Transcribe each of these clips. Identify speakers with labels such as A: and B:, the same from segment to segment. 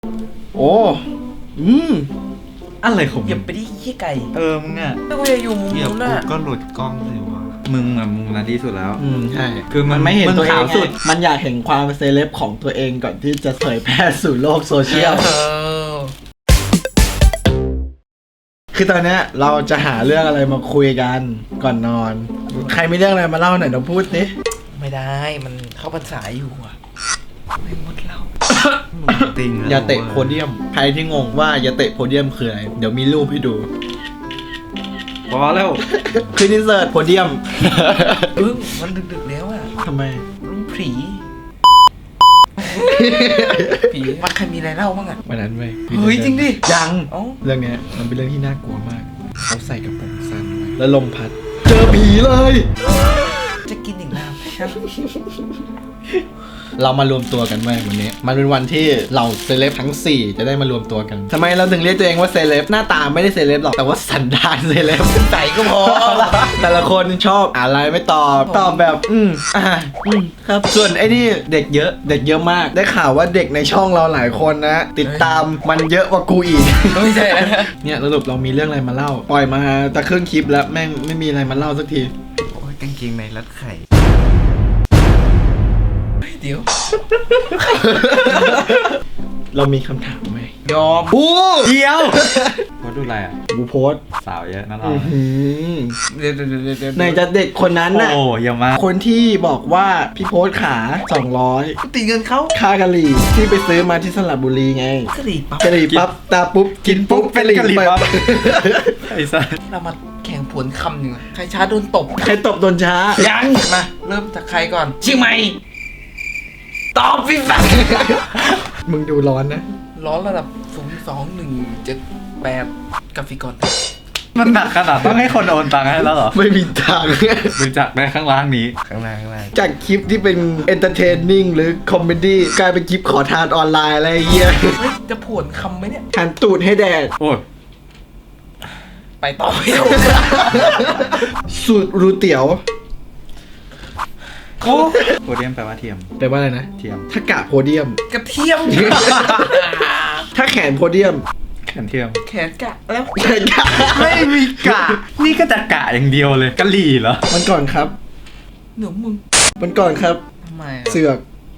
A: โอ้อืม
B: อะไรของ
C: เหยียบไปที่ขี้ไก่
B: มึงอ่ะ
C: ไม่ว่าจะอยู่มุม
B: เหยียบ
C: นู้น
B: ปุ๊
C: น่ะ
B: บก็หลุดกล้องสิวะมึงอ่ะมึงนาดีสุดแล้ว
A: ใช่
B: คือมัน
A: ไม่เห็น
B: มึง
A: ตัวเอง
B: ขาวสุด
A: ไงมันอยากเห็นความเซเลบของตัวเองก่อนที่จะเผยแพร่สู่โลกโซเชียล คือตอนเนี้ยเราจะหาเรื่องอะไรมาคุยกันก่อนนอน ใครมีเรื่องอะไรมาเล่าหน่อยเราพูดดิ
C: ไม่ได้มันเข้าพรรษาอยู่อ่ะไม่หมดเรา
B: ติง
A: อย่าเตะโพเดียม ใครที่งงว่าอย่าเตะโพเดียมคืออะไร เดี๋ยวมีรูปให้ดู
B: พอแล้ว
A: คืออินเสิร์ตโพเดียม
C: มันดึกๆแล้วอ่ะ
A: ทำไม
C: ลุงผีผีมันใครมีอะไรเล่าบ้างอ่ะ
A: วันนั้นเว้ย
C: เฮ้ยจริงดิ
A: ยัง
C: เอ้า
A: เรื่องเนี้ยมันเป็นเรื่องที่น่ากลัวมาก เขาใส่กระโปรงสั้นไว้แล้วลมพัด เจอผีเลย
C: จะกินอีกน้ำช่าง
A: เรามารวมตัวกันไว้วันนี้ มันเป็นวันที่เราเซเลบทั้ง 4 จะได้มารวมตัวกันทำไมเราถึงเรียกตัวเองว่าเซเลบหน้าตาไม่ได้เซเลบหรอก แต่ว่าสันดานเซเลบ
C: ใส่ก็พอ
A: แต่ละคนชอบอะไรไม่ตอบแบบ ครับ ส่วนไอ้นี่เด็กเยอะ เด็กเยอะมาก ได้ข่าวว่าเด็กในช่องเราหลายคนนะ ติดตามมันเยอะกว่ากูอีก
C: ไม่ใช่แล้วนะ
A: เนี่ยสรุปเรามีเรื่องอะไรมาเล่า ปล่อยมาตะครึ่งคลิปแล้วแม่งไม่มีอะไรมาเล่าสักที
B: โอ้ยกางเกงในรัดไข่
C: เดี๋ยว
A: เรามีคำถามไหม
C: ยอม
A: โอ้
B: เดียวว่าดูอะไรอ่ะ
A: กูโพสต์
B: สาวเยอะนั่นหรอ
C: เดี๋ยว
A: ไหนจะเด็กคนนั้นน่ะ
B: โอ้อย่ามา
A: คนที่บอกว่าพี่โพสต์ขา200
C: ตีเงินเขา
A: ค่ากะหรี่ที่ไปซื้อมาที่สระบุรีไง
C: กระดิ่งปั๊บ
A: กะหรี่ปั๊บตาปุ๊บกินปุ๊บกะหรี่ปั๊บ
B: ไอ้สัส
C: เรามาแข่งผลคำหนึ่งอะใครช้าโดนตบ
A: ใครตบโดนช้า
C: ยังมาเริ่มจากใครก่อนเชียงใหม่ตอบพี่ฟัง
A: มึงดูร้อนนะ
C: ร้อนระดับ02178กราฟิกอน
B: มันหนักขนาดต้องให้คนโอนตังค์ให้แล้วเหรอ
A: ไม่มีทาง
B: บริจาคได้ข้างล่างนี้ข้างล่าง
A: จากคลิปที่เป็นเอนเตอร์เทนนิ่งหรือคอมเมดี้กลายเป็นคลิปขอทานออนไลน์อะไรเงี้ย
C: เฮ้ยจะผวนคำไหมเนี่ย
A: หันตูดให้แดด
B: โอ้ย
C: ไปต่อไม่ถูก
A: สูตรรูเตี๋ยว
B: โอ้โพเดียมแปลว่าเทียม
A: แปลว่าอะไรนะ
B: เทียม
A: ถ้ากะโพเดียม
C: กระเทียม
A: ถ้าแขนโพเดียม
B: แขนเทียม
C: แขนกะแล้ว
A: แขนกะ
B: ไม่มีกะ นี่ก็จะกะอย่างเดียวเลยกะหรี่เหรอ
A: มันก่อนครับ
C: หนูมึง
A: มันก่อนครับ
C: ทำไม
A: เสือก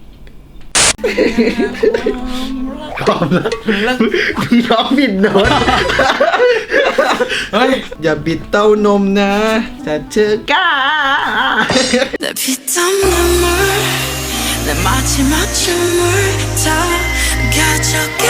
A: พร้อมแล้ว
C: แล้ว
A: น้องบิดโน้ต
C: เฮ้ย
A: อย่าบิดเต้านมนะจะเจอกล้า
D: 내 피땀눈물 내 마지막 춤을 다 가져가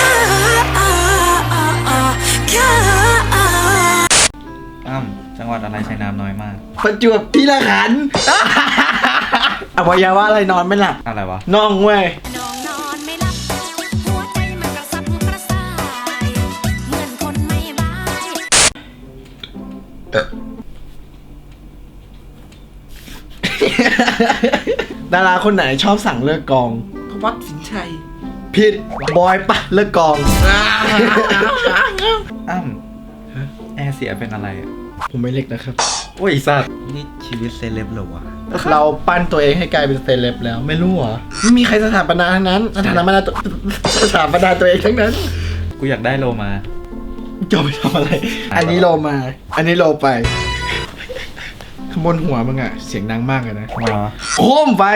B: อ้ำจังหวัดอะไรใช้น้ำน้อยมาก
A: ประจวบพี่ละขันธ์อวัยวะอะไรนอนไม่หลับ
B: อะไรวะ
A: น่องเว้ย
D: น้องนอนไม่หลับหัวใจมันกระสับกระส่ายเหมือนคนไม่บาย
A: ดาราคนไหนชอบสั่งเลิกกอง
C: พวัดสินชัย
A: ผิดบอยปะเลิกกอง
B: อ้ำแอร์เสียเป็นอะไรอ่ะ
A: ผมไม่เล็กนะครับ
B: โอ้ยสัตว์นี่ชีวิตเซเลบเหรอวะ
A: เราปั้นตัวเองให้กลายเป็นเซเลบแล้วไม่รู้เหรอไม่มีใครสถาปนาทั้งนั้นสถาปนาตัวสถาปนาตัวเองทั้งนั้น
B: กูอยากได้โลมา
A: จะไปทำอะไร อันนี้โลมา อันนี้โลไปขบนหัวมึงอะเสียงดังมากเลยนะ
B: อ๋อ
A: โค้มไป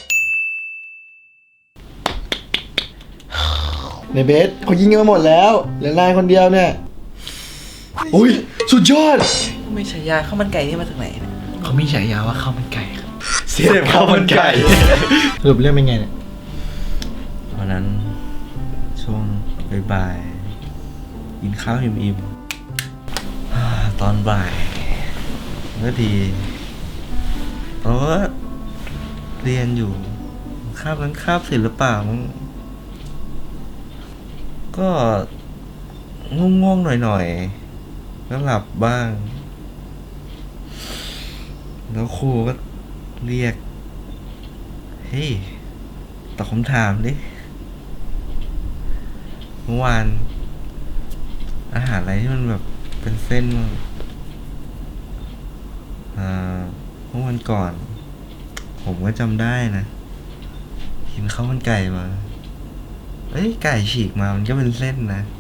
A: ในเบสเขายิงกันมาหมดแล้วเหลือนายคนเดียวเนี่ยอุ้ยสุดยอด
C: ไม่ใช่ยาข้าวมันไก่นี่มาจากไหนเนี่ย
A: เขามีฉายาว่าข้าวมันไก่ครับเสียบข้าวมันไก่สรุปเรื่องเป็นไงเนี่ย
E: วันนั้นช่วงบ่ายๆกินข้าวอิ่มๆตอนบ่ายก็ดีเพราะว่าเรียนอยู่คาบนั้นคาบศิลปะมั้งก็ง่วงๆหน่อยๆก็หลับบ้าง แล้วครูก็เรียก เฮ้ยตอบคำถามดิ เมื่อวานอาหารอะไรที่มันแบบเป็นเส้นบ้างเมื่อวันก่อน ผมก็จำได้นะกินข้าวมันไก่มาเอ้ยไก่ฉีกมามันก็เป็นเส้นนะ